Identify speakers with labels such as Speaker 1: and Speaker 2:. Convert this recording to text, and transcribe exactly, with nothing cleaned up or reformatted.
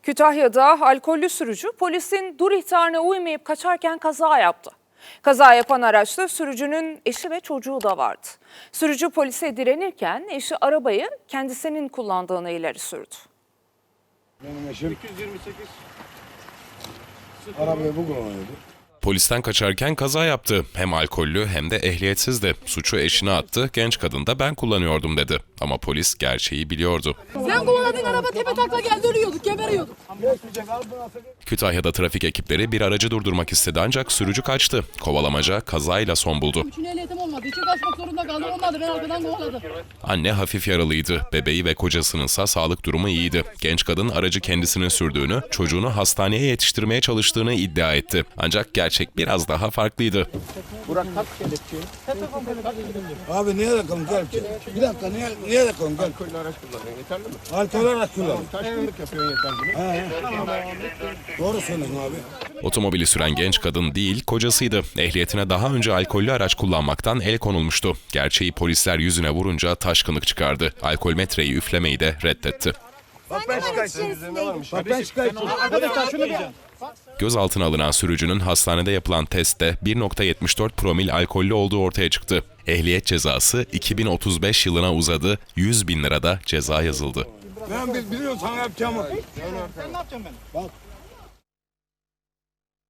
Speaker 1: Kütahya'da alkollü sürücü polisin dur ihtarına uymayıp kaçarken kaza yaptı. Kaza yapan araçta sürücünün eşi ve çocuğu da vardı. Sürücü polise direnirken eşi arabayı kendisinin kullandığını ileri sürdü.
Speaker 2: Benim eşim arabayı bu kullanıyordu.
Speaker 3: Polisten kaçarken kaza yaptı. Hem alkollü hem de ehliyetsizdi. Suçu eşine attı, genç kadın da ben kullanıyordum dedi. Ama polis gerçeği biliyordu.
Speaker 4: Sen kovaladığın araba tepe takla geldi, ölüyorduk, geberiyorduk.
Speaker 3: Kütahya'da trafik ekipleri bir aracı durdurmak istedi ancak sürücü kaçtı. Kovalamaca kazayla son buldu.
Speaker 4: Üçün ehliyetim olmadığı için kaçmak zorunda kaldım. Olmadı, ben arkadan kovaladım.
Speaker 3: Anne hafif yaralıydı. Bebeği ve kocasınınsa sağlık durumu iyiydi. Genç kadın aracı kendisinin sürdüğünü, çocuğunu hastaneye yetiştirmeye çalıştığını iddia etti. Ancak gerçek biraz daha farklıydı.
Speaker 2: Abi niye yakalım gel ki? Bir dakika niye, niye yakalım gel.
Speaker 5: Alkollü araç kullanıyorsun, yeterli mi?
Speaker 2: Alkol araç kullan.
Speaker 5: Taşkınlık yapıyorsun yeterli mi?
Speaker 2: Doğru söylüyorsun abi.
Speaker 3: Otomobili süren genç kadın değil, kocasıydı. Ehliyetine daha önce alkollü araç kullanmaktan el konulmuştu. Gerçeği polisler yüzüne vurunca taşkınlık çıkardı. Alkol metreyi üflemeyi de reddetti.
Speaker 5: Bak ben şikayetçiyim.
Speaker 2: Bak ben şikayetçiyim.
Speaker 3: Gözaltına alınan sürücünün hastanede yapılan testte bir nokta yetmiş dört promil alkollü olduğu ortaya çıktı. Ehliyet cezası iki bin otuz beş yılına uzadı, yüz bin lirada ceza yazıldı.
Speaker 2: Ben biz biliyoruz sana yapacağımı.
Speaker 4: Sen ne yapacaksın ben?
Speaker 2: Bak